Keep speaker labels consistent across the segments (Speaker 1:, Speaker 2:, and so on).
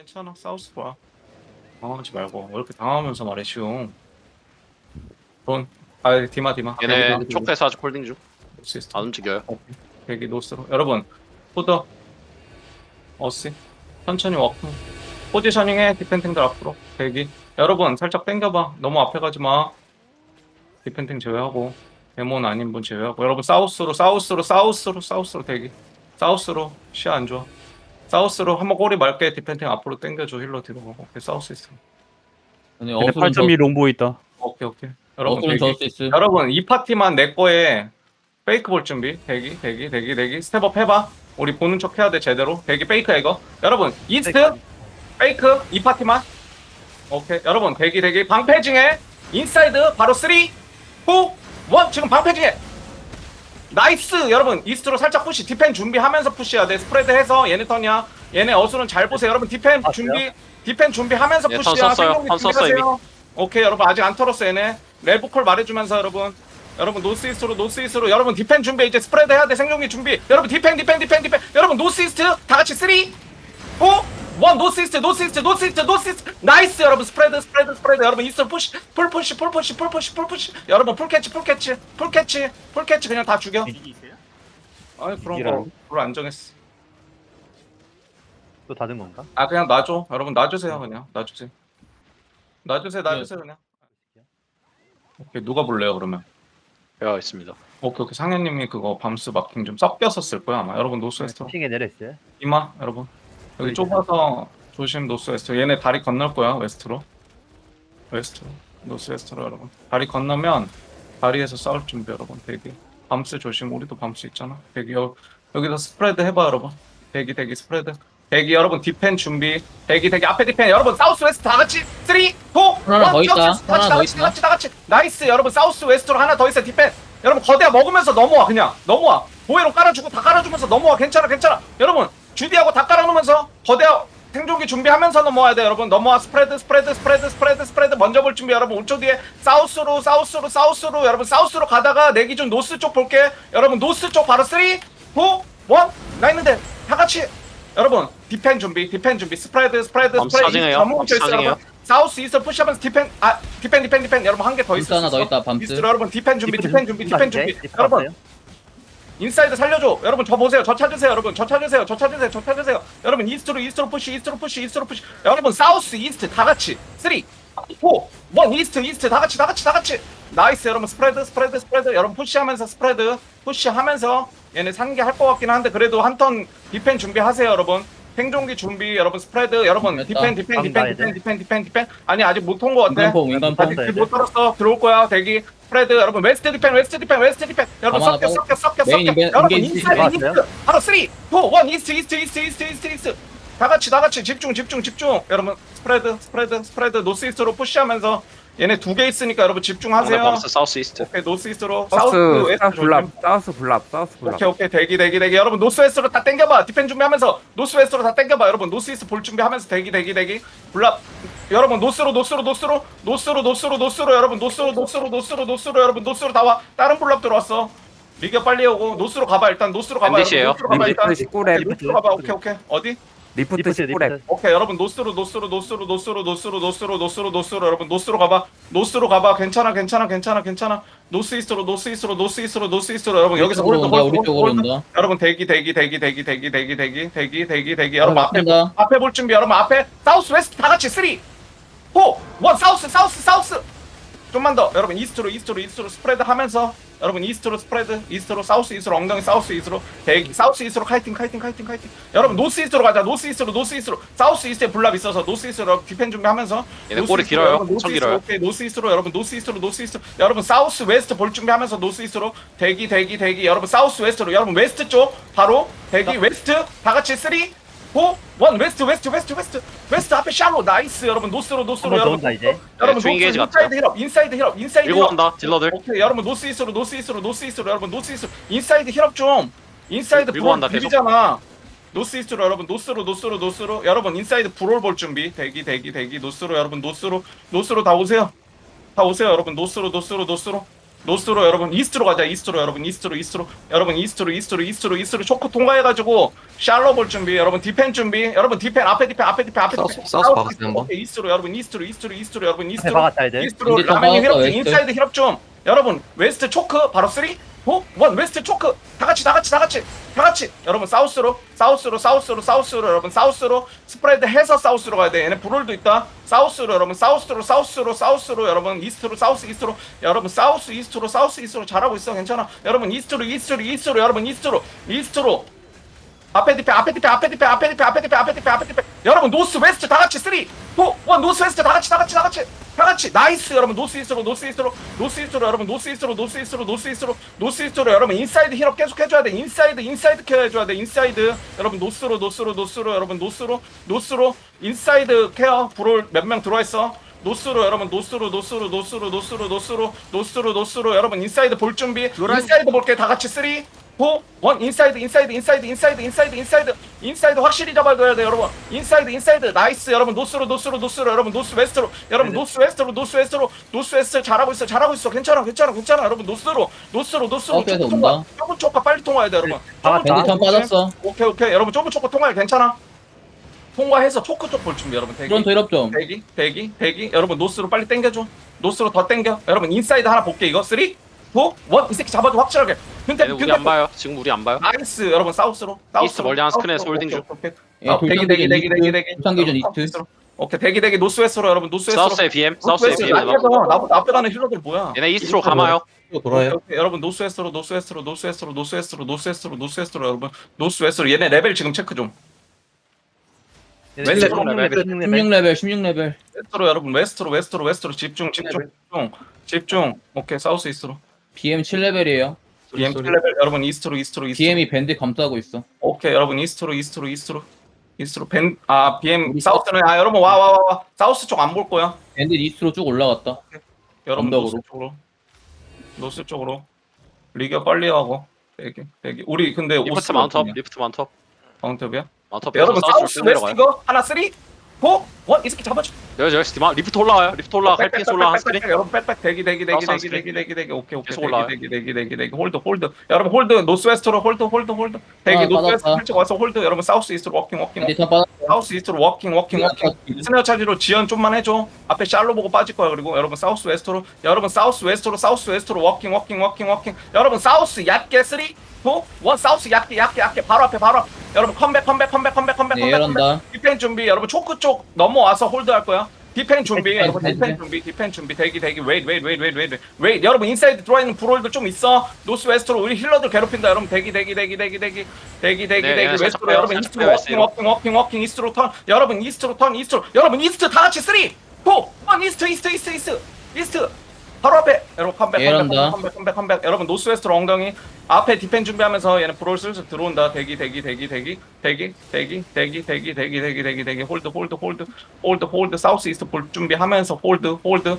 Speaker 1: 괜찮아. 사우스 봐. 당황하지 말고. 왜 이렇게 당하면서 말해, 쉬움. 돈. 아, 디마.
Speaker 2: 얘네 촉대서 아직 홀딩 중.
Speaker 1: 시스템.
Speaker 2: 안 움직여요.
Speaker 1: 대기 노스로. 여러분, 포더. 어시. 천천히 워크. 포지셔닝해. 디펜팅들 앞으로. 대기. 여러분, 살짝 당겨봐. 너무 앞에 가지 마. 디펜팅 제외하고. 데몬 아닌 분 제외하고. 여러분, 사우스로 대기. 사우스로. 시야 안 좋아. 사우스로 한번 꼬리 맑게 디펜팅 앞으로 당겨줘. 힐러 뒤로 가고. 오케이, 사우스 있어.
Speaker 3: 아니
Speaker 4: 얘네
Speaker 3: 어수는
Speaker 4: 8.2 롱보 있다.
Speaker 1: 오케이. 여러분,
Speaker 3: 어수는
Speaker 1: 대기.
Speaker 3: 저수 있어.
Speaker 1: 여러분, 이 파티만 내 거에 페이크 볼 준비. 대기. 스텝업 해봐. 우리 보는 척 해야 돼, 제대로. 대기 페이크야, 이거. 여러분, 이스트. 페이크. 이 파티만. 오케이. 여러분, 대기. 방패 중에 인사이드. 바로 3, 2, 1. 지금 방패 중에. 나이스. 여러분, 이스트로 살짝 푸시. 디펜 준비하면서 푸시해야 돼. 스프레드 해서 얘네 턴이야. 얘네 어수는 잘 보세요. 여러분, 디펜 준비하면서
Speaker 2: 예,
Speaker 1: 푸시야.
Speaker 2: 턴 썼어요.
Speaker 1: 생존기
Speaker 2: 턴 썼어,
Speaker 1: 준비하세요. 오케이, 여러분 아직 안 털었어 얘네. 렐브콜 말해주면서 여러분 노스이스트로 여러분 디펜 준비. 이제 스프레드 해야 돼. 생존기 준비. 여러분 디펜. 여러분 노스이스트 다 같이 3, 2, 1. 노스이스트. 나이스. 여러분 스프레드. 여러분 이스트 푸시. 풀 푸시. 여러분 풀 캐치. 그냥 다 죽여. 아니 그런 거룰안 정했어.
Speaker 4: 또 닫은 건가?
Speaker 1: 아 그냥 놔줘. 여러분 놔주세요. 그냥 놔주세요 그냥. 오케이, 누가 볼래요 그러면?
Speaker 2: 제가 있습니다.
Speaker 1: 오케이. 상현님이 그거 밤스 마킹 좀 섞여서 쓸 거야 아마. 여러분 노스웨스트로
Speaker 4: 층에 내려있어요.
Speaker 1: 이마. 여러분 여기 좁아서 조심. 노스웨스트. 얘네 다리 건널 거야. 웨스트로 노스웨스트로. 여러분 다리 건너면 다리에서 싸울 준비. 여러분 대기. 밤스 조심. 우리도 밤스 있잖아. 대기. 여기서 스프레드 해봐. 여러분 대기 스프레드. 대기. 여러분 디펜 준비. 대기 앞에 디펜. 여러분 사우스 웨스트 다 같이 3, 2, 1.
Speaker 3: 하나 더 있다. 하나 더 있다.
Speaker 1: 다 같이. 나이스. 여러분 사우스 웨스트로 하나 더 있어. 디펜. 여러분 거대야 먹으면서 넘어와. 그냥 넘어와. 보헤로 깔아주고 다 깔아주면서 넘어와. 괜찮아. 여러분 주디하고 다 깔아놓으면서 거대야 생존기 준비하면서 넘어와야 돼. 여러분 넘어와. 스프레드 먼저 볼 준비. 여러분 5초 뒤에 사우스로. 여러분 사우스로 가다가 내 기준 노스 쪽 볼게. 여러분 노스 쪽 바로 3, 2, 1. 나 있는데 다 같이. 여러분 디펜 준비. 스프레드
Speaker 2: 사징해요. 사징해요.
Speaker 1: 사우스 이스트 푸시하면서 디펜. 여러분 한 개 더 있어.
Speaker 3: 하나 더 있다. 밤스.
Speaker 1: 이스트로 여러분 디펜 준비.
Speaker 4: 네,
Speaker 1: 여러분 인사이드 살려줘. 여러분 저 보세요. 저 찾으세요. 여러분 저 찾으세요. 여러분 이스트로 푸시. 여러분 사우스 이스트 다 같이 3, 4, 1. 이스트 다 같이. 나이스. 여러분 스프레드. 여러분 푸시하면서 얘네 상계 할 것 같긴 한데 그래도 한 턴 디펜 준비하세요. 여러분 생존기 준비. 여러분 스프레드. 여러분 디펜. 아니 아직 못 온 것 같아.
Speaker 3: 인간포.
Speaker 1: 아직 못 들었어. 들어올 거야. 대기. 스프레드. 여러분 웨스트 디펜. 여러분 섞여.
Speaker 3: 메인
Speaker 1: 여러분
Speaker 3: 인게이지
Speaker 1: 인사이드. 바로 3, 2, 1. 이스트. 다 같이 집중. 여러분 스프레드 노스이스트로 푸시하면서 얘네 두 개 있으니까 여러분 집중하세요.
Speaker 2: 밤스 사우스 이스트.
Speaker 1: 오케이, 노스이스트로
Speaker 5: 사우스
Speaker 1: 웨스트
Speaker 5: 블랍 사우스 블랍
Speaker 1: 오케이. 대기. 여러분 노스웨스트로 다 당겨봐. 디펜 준비하면서 노스웨스트로 다 당겨봐. 여러분 노스이스트 볼 준비하면서 대기. 블랍. 여러분 노스로. 여러분 노스로. 여러분 노스로 다 와. 다른 블랍 들어왔어. 리겨 빨리 오고 노스로 가봐. 일단 노스로 가봐.
Speaker 2: 밴디시에요.
Speaker 1: 노스로 가봐 일단.
Speaker 5: 리프트 19렙
Speaker 1: 노스로 가봐. 오케이. 어디?
Speaker 5: 리프트 19렙
Speaker 1: 오케이. 여러분 노스로. 여러분 노스로 가봐. 괜찮아. 노스이스트로. 여러분 여기서
Speaker 3: 우리 쪽으로 온다.
Speaker 1: 여러분 대기. 여러분 앞에 볼 준비. 여러분 앞에 사우스 웨스트 다 같이 3, 4, 1. 사우스. 좀만 더. 여러분 이스트로 스프레드 하면서. 여러분 이스트로 스프레드. 이스트로 사우스 이스트로 엉덩이 사우스 이스트로 대기. 사우스 이스트로 카이팅. 여러분 노스 이스트로 가자. 노스 이스트로. 사우스 이스트에 블랍 있어서 노스 이스트로 디펜 준비하면서.
Speaker 2: 얘네 꼬리 길어요. 엄청 길어요.
Speaker 1: 오케이. 노스 이스트로. 여러분 노스 이스트로. 여러분 사우스 웨스트 볼 준비하면서 노스 이스트로 대기. 여러분 사우스 웨스트로. 여러분 웨스트 쪽 바로 대기. 웨스트 다 같이 3, 4, 1. 웨스트 앞에 샬로. 나이스. 여러분 노스로.
Speaker 4: 한번
Speaker 1: 여러분
Speaker 4: 더 온다, 이제.
Speaker 1: 여러분
Speaker 2: 트윈 게이지
Speaker 1: 인사이드 힐업.
Speaker 2: 밀고 간다. 딜러들.
Speaker 1: 오케이. 여러분 노스이스로. 여러분 노스이스로 인사이드 힐업 좀. 인사이드
Speaker 2: 밀고
Speaker 1: 브롤
Speaker 2: 간다, 계속.
Speaker 1: 비비잖아. 노스이스트로. 여러분 노스로. 여러분 인사이드 브롤 볼 준비. 대기. 노스로. 여러분 노스로 다 오세요. 여러분 노스로. 노스로 여러분 이스트로 가자. 이스트로 여러분 이스트로 여러분 이스트로 초크 통과해가지고 샬로 볼 준비. 여러분 디펜 준비. 여러분 디펜 앞에 디펜
Speaker 2: 사우스 박았어요, 한번.
Speaker 1: 오케이, 이스트로 여러분 이스트로 여러분
Speaker 5: 앞에
Speaker 1: 이스트로
Speaker 5: 박았다 이제.
Speaker 1: 이스트로
Speaker 3: 근데 좀
Speaker 1: 라멘이
Speaker 3: 박았어,
Speaker 1: 힐업 중
Speaker 3: 웨스트.
Speaker 1: 인사이드 힐업 중. 여러분 웨스트 초크 바로 3 4 1 웨스트 초크 다 같이 여러분 사우스로 여러분 사우스로 스프레드 해서 사우스로 가야 돼. 얘네 브롤도 있다. 사우스로 여러분 사우스로 여러분 이스트로 사우스 이스트로 여러분 사우스 이스트로 잘하고 있어. 괜찮아. 여러분 이스트로 여러분 이스트로 앞에 디펜 여러분 노스 웨스트 다 같이 3 4 1 노스 웨스트 다 같이 나이스. 여러분 노스 이스트로 여러분 노스 이스트로 여러분 인사이드 힐업 계속 해줘야 돼. 인사이드 케어 해줘야 돼. 인사이드 여러분 노스로 여러분 노스로 인사이드 케어. 브롤 몇 명 들어와 있어. 노스로 여러분 노스로 여러분 인사이드 볼 준비. 인사이드 볼게 다 같이 3 4 1 인사이드 확실히 잡아줘야 돼. 여러분 인사이드 나이스. 여러분 노스로 여러분 노스 웨스트로 여러분 노스 웨스트 잘하고 있어. 괜찮아. 여러분 노스로
Speaker 3: 사우스에서 온다.
Speaker 1: 좁은 초카 빨리 통과해야 돼. 여러분
Speaker 3: 밴드 턴 빠졌어.
Speaker 1: 오케이 여러분 좁은 초카 통과해. 괜찮아. 통과해서 초크 쪽 볼 준비. 여러분
Speaker 3: 프론트 힐업 좀.
Speaker 1: 대기 여러분 노스로 빨리 당겨줘. 노스로 더 당겨. 여러분 인사이드 하나 볼게. 이거 3 4 1 이 새끼 잡아줘 확실하게.
Speaker 2: 얘네 우리 안 봐요. 지금 우리 안 봐요.
Speaker 1: 나이스. 여러분 사우스로
Speaker 2: 이스트 멀리 하나 스크린에서 홀딩 중.
Speaker 3: 예, 돌상 기준 이스트. 돌상 기준 이스트.
Speaker 1: 오케이 대기 노스웨스트로 여러분 노스웨스트로.
Speaker 2: 사우스에 BM. 사우스에 BM.
Speaker 1: 나보다 앞에 가는 힐러들 뭐야?
Speaker 2: 얘네 이스트로 감아요.
Speaker 1: 오케이, 여러분 노스웨스트로 여러분 노스웨스트로 얘네 레벨 지금 체크 좀. 웨스트로
Speaker 3: 16레벨.
Speaker 1: 웨스트로 여러분 웨스트로 집중. 오케이 사우스 이스트로.
Speaker 3: BM 7레벨이에요.
Speaker 1: BM 레벨 여러분 이스트로.
Speaker 3: BM이 밴드 감싸고 있어.
Speaker 1: 오케이 여러분 이스트로 BM 사우스는 여러분 와 사우스 쪽 안 볼 거야.
Speaker 3: 밴드 이스트로 쭉 올라갔다.
Speaker 1: 여러분
Speaker 3: 언덕으로.
Speaker 1: 노스 쪽으로 리그 빨리 하고 대기 우리 근데
Speaker 2: 리프트 마운트업.
Speaker 1: 마운트업이야?
Speaker 2: 마운트업.
Speaker 1: 여러분 사우스
Speaker 2: 사우스
Speaker 1: 웨스트
Speaker 2: 내려가요.
Speaker 1: 이거 하나 3 4 1 이 새끼 잡아줘.
Speaker 2: 여기 디마 리프트 올라와요. 갈피스 올라와 스크린.
Speaker 1: 여러분 백백 대기
Speaker 2: 사우스
Speaker 1: 오케이
Speaker 2: 계속 올라와요.
Speaker 1: 대기 홀드 여러분 홀드 노스웨스트로 홀드 대기 노스웨스트
Speaker 3: 받았다.
Speaker 1: 살짝 와서 홀드 여러분 사우스 이스트로 워킹
Speaker 3: 밴드 턴 빠졌어.
Speaker 1: 사우스 이스트로 워킹 스네어 차지로 지연 좀만 해줘. 앞에 샬로 보고 빠질 거야. 그리고 여러분 사우스 웨스트로 워킹 여러분 사우스 얕게 3 4 1 사우스 얕게 바로 앞에 여러분 컴백
Speaker 3: 네, 이런다.
Speaker 1: 디펜 준비. 여러분 초크 쪽 넘어와서 홀드할 거야. 디펜 준비.
Speaker 3: 디펜,
Speaker 1: 여러분
Speaker 3: 디펜.
Speaker 1: 디펜 준비. 대기 웨이트. 여러분 인사이드 들어와 있는 브롤들 좀 있어. 노스 웨스트로 우리 힐러들 괴롭힌다. 여러분 대기 웨스트로
Speaker 2: 빼요.
Speaker 1: 여러분
Speaker 2: 살짝
Speaker 1: 이스트로
Speaker 2: 빼요,
Speaker 1: 워킹 이스트로 턴. 여러분 이스트로 여러분 이스트 다 같이 3 4 1 이스트 바로 앞에. 여러분 컴백. 여러분 노스 웨스트로 엉덩이 앞에 디펜 준비하면서 얘는 브롤 슬슬 들어온다. 대기 홀드 사우스 이스트 볼 준비하면서 홀드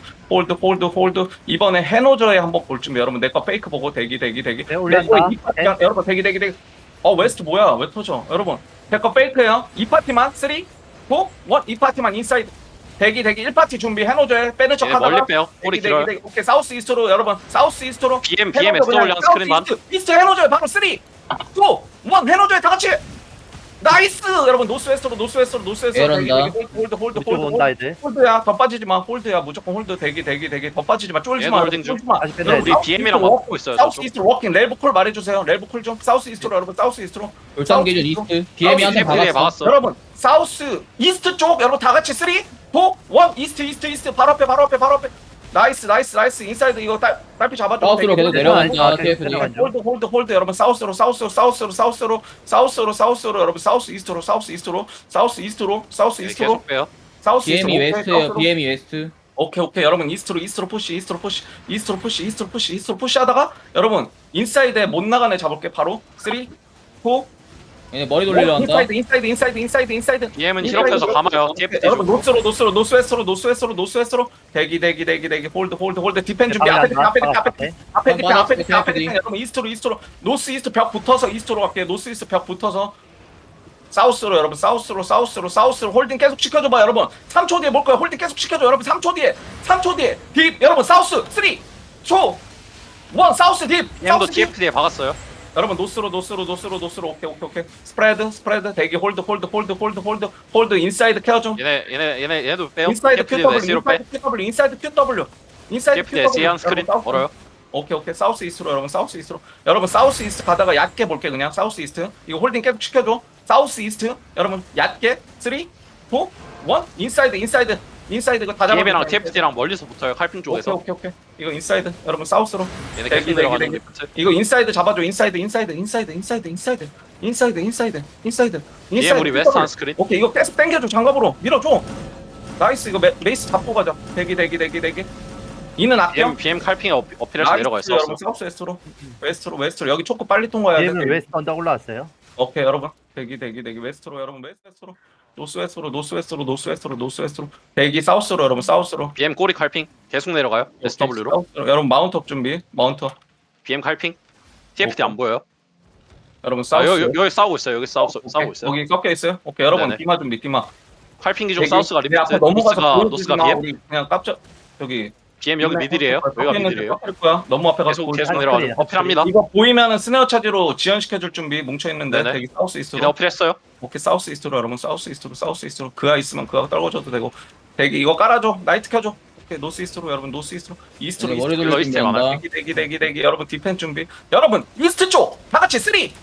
Speaker 1: 이번에 해노저에 한번 볼 준비. 여러분 내 거 페이크 보고 대기
Speaker 5: 올린다.
Speaker 1: 여러분 대기 웨스트 뭐야 왜 터져. 여러분 내 거 페이크예요. 이 파티만 3 4 1 이 파티만 인사이드 대기 1파티 준비. 해노저에 빼는 척
Speaker 2: 예,
Speaker 1: 하다가
Speaker 2: 멀리 빼요. 꼬리 길어요.
Speaker 1: 오케이 사우스 이스트로 여러분
Speaker 2: BM SW 한 스크린 반.
Speaker 1: 이스트 해노저에 바로 3 2 1 해노저에 다 같이 나이스. 여러분 노스웨스트로
Speaker 3: 이런다.
Speaker 5: 이쪽 온다 이제.
Speaker 1: 홀드야. 더 빠지지 마. 홀드야. 무조건 홀드. 대기 더 빠지지 마. 쫄지 마.
Speaker 2: 홀딩 중.
Speaker 5: 아직 밴드
Speaker 1: 여러분,
Speaker 2: 우리 BM이랑 맞고 있어요.
Speaker 1: 사우스
Speaker 2: 저쪽.
Speaker 1: 이스트로 워킹 렐브콜 말해주세요. 렐브콜 좀 사우스 이스트로 여러분 사우스 이스트로
Speaker 3: 돌상 기준 이스트. BM이 한테
Speaker 2: BM이
Speaker 3: 박았어.
Speaker 2: 막았어.
Speaker 1: 여러분 사우스 이스트 쪽 여러분 다 같이 3 4 1 이스트 바로 앞에 나이스 인사이드 이거 딸피 잡아줘.
Speaker 3: 사우스로 계속 내려간다. TFD.
Speaker 1: 홀드 여러분 사우스로 여러분 사우스 이스트로
Speaker 2: 계속 빼요.
Speaker 1: 사우스
Speaker 3: BM이
Speaker 1: 이스트로.
Speaker 3: 웨스트예요. BM이 웨스트.
Speaker 1: 오케이 여러분 이스트로 푸시 하다가 여러분 인사이드에 못 나간 애 잡을게. 바로 3 4
Speaker 3: 얘네 머리 돌리려 한다.
Speaker 1: 인사이드
Speaker 2: BM은 힐업해서 감아요. TFT
Speaker 1: 여러분
Speaker 2: 중.
Speaker 1: 노스웨스트로 대기 홀드 디펜 준비. 앞에 디펜 여러분 이스트로 노스 이스트 벽 붙어서 이스트로 갈게요. 노스 이스트 벽 붙어서 사우스로 여러분 사우스로 홀딩 계속 시켜줘봐. 여러분 3초 뒤에 볼 거야. 홀딩 계속 시켜줘. 여러분 3초 뒤에 딥 여러분 사우스 3 2 사우스 딥
Speaker 2: PM도
Speaker 1: 사우스 딥
Speaker 2: TFD에 박았어요.
Speaker 1: 여러분 노스로 오케이 스프레드 대기 홀드 인사이드 케어 좀
Speaker 2: 얘네도 빼요.
Speaker 1: 인사이드
Speaker 2: TFD도
Speaker 1: QW
Speaker 2: S로 빼.
Speaker 1: 인사이드 QW 인사이드
Speaker 2: TFD S한 스크린 멀어요.
Speaker 1: 오케이 사우스 이스트로 여러분 사우스 이스트 가다가 얕게 볼게 그냥 사우스 이스트 이거 홀딩 계속 시켜줘 사우스 이스트 여러분 얕게 3 2 1 인사이드 이거 다 잡아
Speaker 2: PM이랑 TFD랑 멀리서 붙어요. 칼핀 쪽에서.
Speaker 1: 오케이 이거 인사이드 여러분 사우스로
Speaker 2: 얘네
Speaker 1: 대기,
Speaker 2: 계속 내려가는
Speaker 1: 대기.
Speaker 2: 리프트.
Speaker 1: 이거 인사이드 잡아줘 인사이드
Speaker 2: PM 우리 웨스트 한 스크린.
Speaker 1: 오케이 이거 계속 당겨줘 장갑으로 밀어줘 나이스 이거 메이스 잡고 가자 대기 이는 아껴
Speaker 2: PM 칼핑에 어필해서 내려가 있어.
Speaker 1: 여러분 사우스 웨스트로 여기 초코 빨리 통과해야 돼
Speaker 5: BM은 웨스트 언덕 올라왔어요.
Speaker 1: 오케이 여러분 대기 웨스트로 여러분 웨스트로 노스웨스트로 대기 사우스로 여러분 사우스로
Speaker 2: BM 꼬리 칼핑 계속 내려가요. SW로.
Speaker 1: 사우스로. 여러분 마운트업 준비 마운트업
Speaker 2: BM 칼핑. TFD 안 보여요.
Speaker 1: 여러분
Speaker 2: 아
Speaker 1: 사우스
Speaker 2: 여기 싸우고 있어요. 여기 싸우고 있어요.
Speaker 1: 거기 꺾여 있어요 오케이 여러분
Speaker 2: 네네.
Speaker 1: 디마 준비 디마
Speaker 2: 칼핑 기종
Speaker 1: 대기.
Speaker 2: 사우스가
Speaker 1: 내
Speaker 2: 리프트.
Speaker 1: 앞에 넘어가서
Speaker 2: 노스가
Speaker 1: 보여주지 마.
Speaker 2: BM.
Speaker 1: 우리 그냥 깜짝 저기
Speaker 2: BM 여기 미들이에요. 여기가 미들이에요.
Speaker 1: 꺾일 거야 너무 앞에 가서
Speaker 2: 계속 내려가는 어필합니다.
Speaker 1: 이거 보이면은 스네어 차지로 지연시켜줄 준비 뭉쳐있는데
Speaker 2: 네네.
Speaker 1: 되게 사우스
Speaker 2: 얘네
Speaker 1: 이스트로
Speaker 2: 어필했어요.
Speaker 1: 오케이 사우스 이스트로 여러분 사우스 이스트로 그아 있으면 그아 떨궈줘도 되고 되게 이거 깔아줘 나이트 켜줘 오케이 노스 이스트로 여러분 노스 이스트로 이스트로
Speaker 3: 머리
Speaker 2: 돌릴
Speaker 3: 돌릴
Speaker 2: 준비한다.
Speaker 3: 준비한다.
Speaker 1: 대기 여러분 디펜 준비 여러분 이스트 쪽 다같이 3 4 1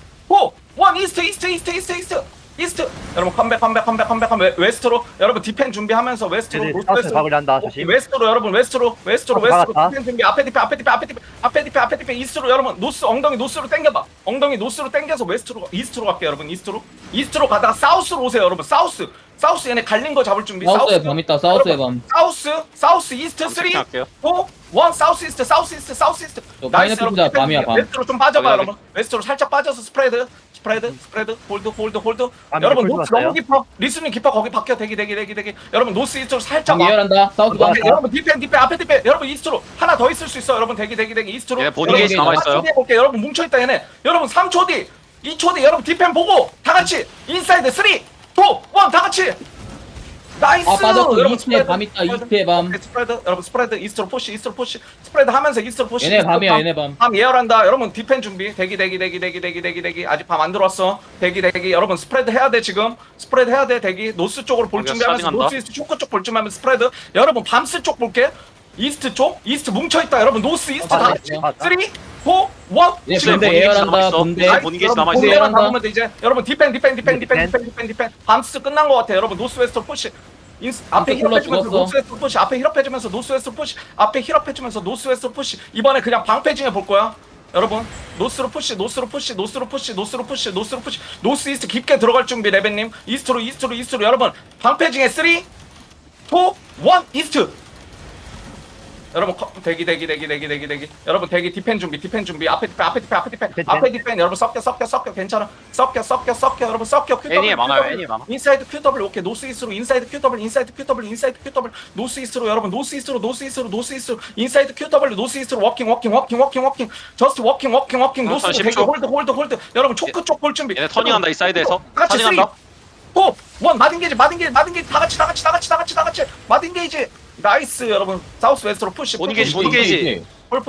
Speaker 1: 이스트 여러분 컴백 웨스트로 여러분 디펜 준비하면서 웨스트로
Speaker 5: 얘들
Speaker 1: 노스웨스트로
Speaker 5: 사우스 박으려 한다.
Speaker 1: 오케이,
Speaker 5: 조심.
Speaker 1: 웨스트로 여러분 웨스트로
Speaker 5: 박았다.
Speaker 1: 디펜 준비 앞에 디펜 이스트로 여러분 노스 엉덩이 노스로 당겨봐 엉덩이 노스로 당겨서 이스트로 갈게요 여러분 이스트로 가다가 사우스로 오세요 여러분 사우스 얘네 갈린 거 잡을 준비
Speaker 3: 사우스에 밤 있다. 사우스에
Speaker 1: 여러분,
Speaker 3: 밤.
Speaker 1: 사우스 이스트 3 2 1
Speaker 2: 할게요.
Speaker 1: 사우스 이스트
Speaker 3: 저 파이널
Speaker 1: 여러분,
Speaker 3: 피자 밤이야, 밤.
Speaker 1: 웨스트로 좀 빠져봐
Speaker 2: 여기,
Speaker 1: 여러분 웨스트로 살짝 빠져서 스프레드 홀드
Speaker 5: 밤
Speaker 1: 여러분
Speaker 5: 이렇게
Speaker 1: 노스
Speaker 5: 굴렀어요?
Speaker 1: 너무 깊어 리스닝 깊어 거기 박혀 대기 여러분 노스 이스트로 살짝
Speaker 3: 밤 예열한다. 사우스 밤.
Speaker 1: 오케이, 여러분 디펜 앞에 디펜 여러분 이스트로 하나 더 있을 수 있어 여러분 대기 이스트로
Speaker 2: 얘네 보딩 게이지 남아있어요.
Speaker 1: 볼게요 여러분 뭉쳐있다 얘네 여러분 3초 뒤 2초 뒤 여러분 디펜 보고 다같이 인사이드 3 2 1 다같이 나이스
Speaker 3: 아 빠졌어.
Speaker 1: 여러분,
Speaker 3: 이스트에 밤 있다. 이스트에 밤.
Speaker 1: 오케이, 스프레드 여러분 스프레드 이스트로 푸시 스프레드 하면서 이스트로 푸시
Speaker 3: 얘네 밤이야. 얘네 밤.
Speaker 1: 밤 예열한다 여러분 디펜 준비 대기 아직 밤 안 들어왔어 대기 여러분 스프레드 해야 돼 지금 스프레드 해야 돼 대기 노스 쪽으로 볼
Speaker 2: 여기가
Speaker 1: 준비하면서
Speaker 2: 스타팅한다.
Speaker 1: 노스 이스트 초코 쪽 볼 준비하면서 스프레드 여러분 밤스 쪽 볼게 이스트 뭉쳐있다 여러분 노스 이스트 다 같이
Speaker 5: 맞다.
Speaker 1: 3 4 1
Speaker 3: 얘
Speaker 1: 지금
Speaker 3: 군대 예열한다. 군대.
Speaker 2: 보딩 게이지 남아있어.
Speaker 3: 군대
Speaker 1: 공대만
Speaker 3: 예열한다.
Speaker 1: 남으면 돼 이제 여러분 디펜 밤스 끝난 거 같아 여러분 노스웨스트 푸시 앞에
Speaker 3: 콜러
Speaker 1: 힐업해주면서
Speaker 3: 죽었어.
Speaker 1: 노스웨스트 푸시 앞에 힐업해주면서 노스웨스트 푸시 이번에 그냥 방패징해 볼 거야 여러분 노스로 푸시 노스 이스트 깊게 들어갈 준비 레벤님 이스트로 여러분 방패징해 3 2 1 이스트 여러분 대기 여러분 대기 디펜 준비 앞에 디펜 여러분 섞여 괜찮아 섞여 여러분 섞여
Speaker 2: 애니에 많아요. 애니에 많아.
Speaker 1: 인사이드 QW 오케이 노스 이스트로 인사이드 QW 노스 이스트로 여러분 노스 이스트로 인사이드 QW 노스 이스트로 워킹 저스트 워킹 노스
Speaker 2: 한
Speaker 1: 대기
Speaker 2: 10초.
Speaker 1: 홀드 여러분 초크 쪽 볼 준비
Speaker 2: 얘네 터닝한다 이 사이드에서.
Speaker 1: 같이
Speaker 2: 터닝한다.
Speaker 1: 3 4 1 마딘게이지 다 같이 마딘게이지 나이스 여러분 사우스 웨스트로 푸시
Speaker 2: 보딩 게이지.
Speaker 1: 풀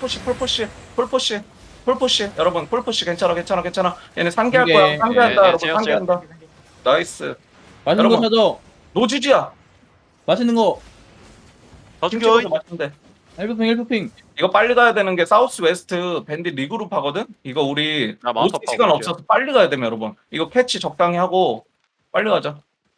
Speaker 1: 푸시 여러분 풀 푸시 괜찮아 얘네 상계할
Speaker 3: 이게,
Speaker 1: 거야 상계한다
Speaker 2: 예,
Speaker 1: 여러분
Speaker 2: 제가.
Speaker 1: 상계한다 나이스
Speaker 3: 맛있는 거
Speaker 1: 여러분.
Speaker 3: 사줘.
Speaker 1: 노지지야
Speaker 3: 맛있는 거.
Speaker 2: 더 죽여.
Speaker 1: 김치도 맛있는데
Speaker 3: 헬프핑.
Speaker 1: 이거 빨리 가야 되는 게 사우스 웨스트 밴디 리그룹 하거든 이거 우리
Speaker 2: 나 마운트
Speaker 1: 노스 시간
Speaker 2: 하고
Speaker 1: 없어서 빨리 가야 되면 여러분 이거 캐치 적당히 하고 빨리 가자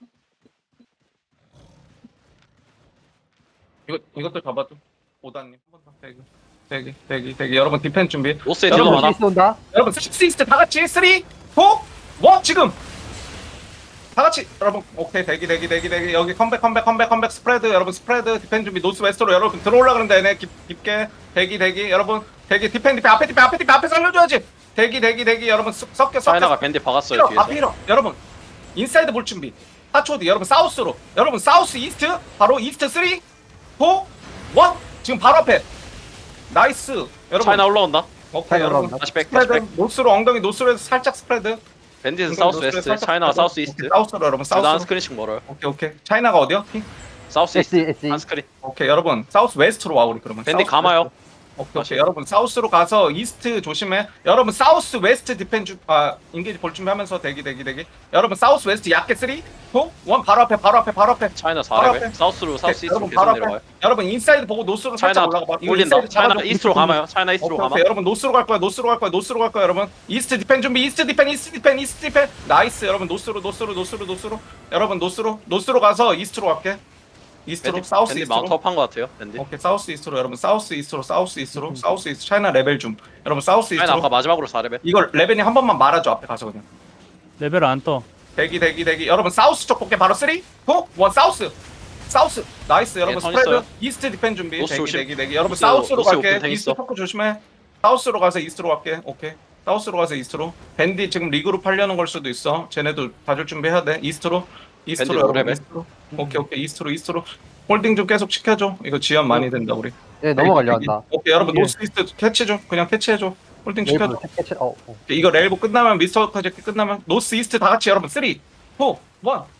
Speaker 1: 이것도 잡아줘 오다님 한번 대기 여러분 디펜 준비
Speaker 2: 노스에
Speaker 1: 여러분,
Speaker 2: 딜러 많아.
Speaker 5: 이스트 온다.
Speaker 1: 여러분 6 이스트 다 같이 3 4 1 지금 다 같이 여러분 오케이 대기 여기 컴백 스프레드 여러분 스프레드 디펜 준비 노스 웨스트로 여러분 들어올라 그런다 얘네 깊게 대기 여러분 대기 디펜 앞에 살려줘야지 대기 여러분 섞여
Speaker 2: 차이나가 밴드 박았어요 뒤에서.
Speaker 1: 앞에 힐어 여러분 인사이드 볼 준비 4초 뒤 여러분 사우스로 여러분 사우스 이스트 바로 이스트 3 4 1 지금 바로 앞에 나이스 여러분
Speaker 2: 차이나 올라온다.
Speaker 1: 오케이 여러분
Speaker 2: 다시 백.
Speaker 1: 스프레드 노스로 엉덩이 노스로 살짝 스프레드
Speaker 2: 밴디는 사우스 웨스트. 차이나가 사우스 이스트.
Speaker 1: 사우스로 여러분
Speaker 2: 둘다 한
Speaker 1: 사우스
Speaker 2: 스크린씩 멀어요.
Speaker 1: 오케이 차이나가 어디요?
Speaker 2: 사우스 이스트.
Speaker 5: SE.
Speaker 2: 한 스크린.
Speaker 1: 오케이 여러분 사우스 웨스트로 와 우리 그러면
Speaker 2: 밴디
Speaker 1: 사우스
Speaker 2: 감아요.
Speaker 1: 웨스트. 오케이. 여러분 사우스로 가서 이스트 조심해. 여러분 사우스 웨스트 디펜 인게이지 볼 준비하면서 대기. 여러분 사우스 웨스트 약게 3, 2, 1 바로 앞에.
Speaker 2: 차이나
Speaker 1: 바로
Speaker 2: 4레벨.
Speaker 1: 앞에.
Speaker 2: 사우스로 사우스 이스트로
Speaker 1: 여러분
Speaker 2: 계속
Speaker 1: 바로
Speaker 2: 내려와요.
Speaker 1: 앞에. 여러분 인사이드 보고 노스로 살짝
Speaker 2: 차이나
Speaker 1: 올라가 봐. 이거
Speaker 2: 올린다.
Speaker 1: 인사이드
Speaker 2: 차이나
Speaker 1: 잡아줘.
Speaker 2: 이스트로 가마요. 차이나 이스트로 가마.
Speaker 1: 오케이. 여러분 노스로 갈 거야. 여러분. 이스트 디펜 준비. 이스트 디펜. 나이스. 여러분 노스로. 여러분 노스로 가서 이스트로 갈게. 이스트로 사우스
Speaker 2: 밴디
Speaker 1: 이스트로.
Speaker 2: 마운트업 한것 같아요. 밴디.
Speaker 1: 오케이 사우스 이스트로 여러분 사우스 이스트로 사우스 이스트 차이나 레벨 좀 여러분 사우스
Speaker 2: 차이나 아까
Speaker 1: 이스트로
Speaker 2: 마지막으로 4레벨.
Speaker 1: 이걸 레벨이 한 번만 말아줘 앞에 가서 그냥
Speaker 4: 레벨 안 떠.
Speaker 1: 대기 여러분 사우스 쪽 볼게 바로 3 2 1 사우스 나이스 여러분
Speaker 2: 예, 턴
Speaker 1: 스프레드
Speaker 2: 있어요.
Speaker 1: 이스트 디펜 준비
Speaker 2: 노스 조심.
Speaker 1: 대기 여러분
Speaker 2: 노스,
Speaker 1: 사우스로
Speaker 2: 노스
Speaker 1: 갈게
Speaker 2: 오픈 탱
Speaker 1: 이스트
Speaker 2: 있어.
Speaker 1: 포크 조심해 사우스로 가서 이스트로 갈게 오케이 사우스로 가서 이스트로 밴디 지금 리그로 팔려는 걸 수도 있어 쟤네도 봐줄 준비해야 돼 이스트로
Speaker 2: 밴디
Speaker 1: 여러분
Speaker 2: 노레벨.
Speaker 1: 이스트로 오케이 이스트로 홀딩 좀 계속 시켜줘 이거 지연 많이 된다 우리
Speaker 5: 예, 넘어가려 한다.
Speaker 1: 오케이 여러분
Speaker 4: 예.
Speaker 1: 노스 이스트 캐치 좀 그냥 캐치해줘 홀딩 시켜줘
Speaker 5: 웨이브 캐치.
Speaker 1: 이거 렐보 끝나면 미스터 커젝트 끝나면 노스 이스트 다 같이 여러분 3 2 1